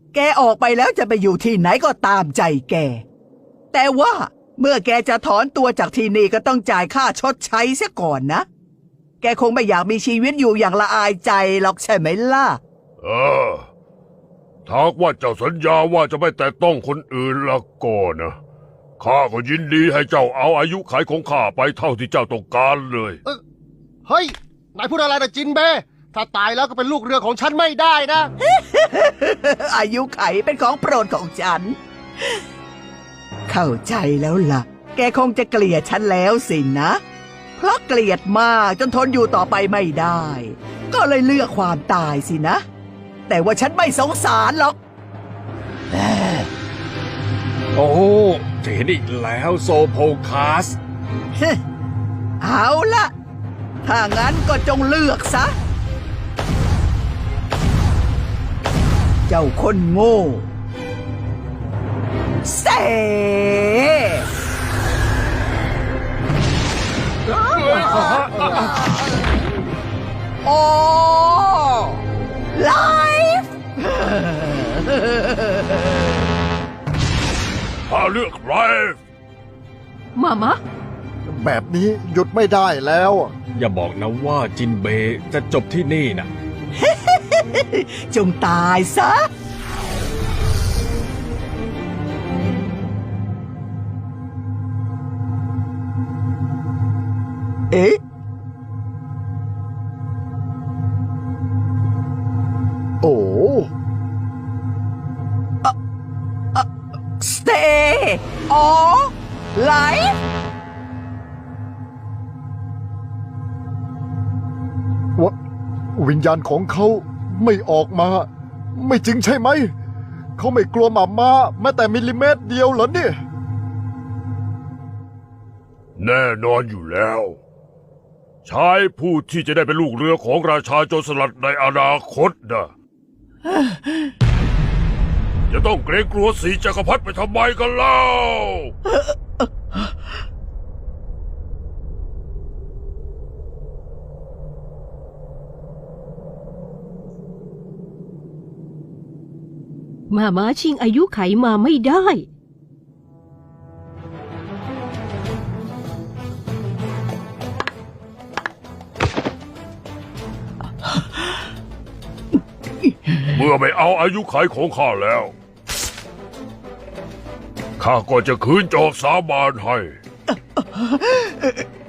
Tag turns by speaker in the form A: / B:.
A: แกออกไปแล้วจะไปอยู่ที่ไหนก็ตามใจแกแต่ว่าเมื่อแกจะถอนตัวจากที่นี่ก็ต้องจ่ายค่าชดใช้เสียก่อนนะแกคงไม่อยากมีชีวิตอยู่อย่างละอายใจหรอกใช่ไหมล่ะ
B: ถ้าว่าเจ้าสัญญาว่าจะไม่แตะต้องคนอื่นละก็นะข้าก็ยินดีให้เจ้าเอาอายุขัยของข้าไปเท่าที่เจ้าต้องการเลย
C: เฮ้ยนายพูดอะไรนะจินเบถ้าตายแล้วก็เป็นลูกเรือของฉันไม่ได้นะ
A: อายุไขเป็นของโปรดของฉันเข้าใจแล้วล่ะแกคงจะเกลียดฉันแล้วสินะเพราะเกลียดมากจนทนอยู่ต่อไปไม่ได้ก็เลยเลือกความตายสินะแต่ว่าฉันไม่สงสารหรอก
D: โอ้จะเห็นอีกแล้วโซโพคัส
A: เอาละถ้างั้นก็จงเลือกซะเจ้าคนโง่เสโอ้ไลฟ์
B: ข้าเลือกไลฟ์
E: มามะ
C: แบบนี้หยุดไม่ได้แล้ว
D: อย่าบอกนะว่าจินเบจะจบที่นี่นะ
A: จงตายซะเอ๊ะ
C: โอ้
A: stay or life
C: วิญญาณของเขาไม่ออกมา ไม่จริงใช่ไหมเขาไม่กลัวหมาม้าแม้แต่มิลลิเมตรเดียวเหรอเนี่ย
B: แน่นอนอยู่แล้วชายผู้ที่จะได้เป็นลูกเรือของราชาโจรสลัดในอนาคตนะจะต้องเกรงกลัวสีจักรพรรดิไปทำไมกันเล่า
E: มาม้าชิงอายุไขมาไม่ได้
B: เมื่อไม่เอาอายุขัยของข้าแล้วข้าก็จะคืนจอกสาบานให้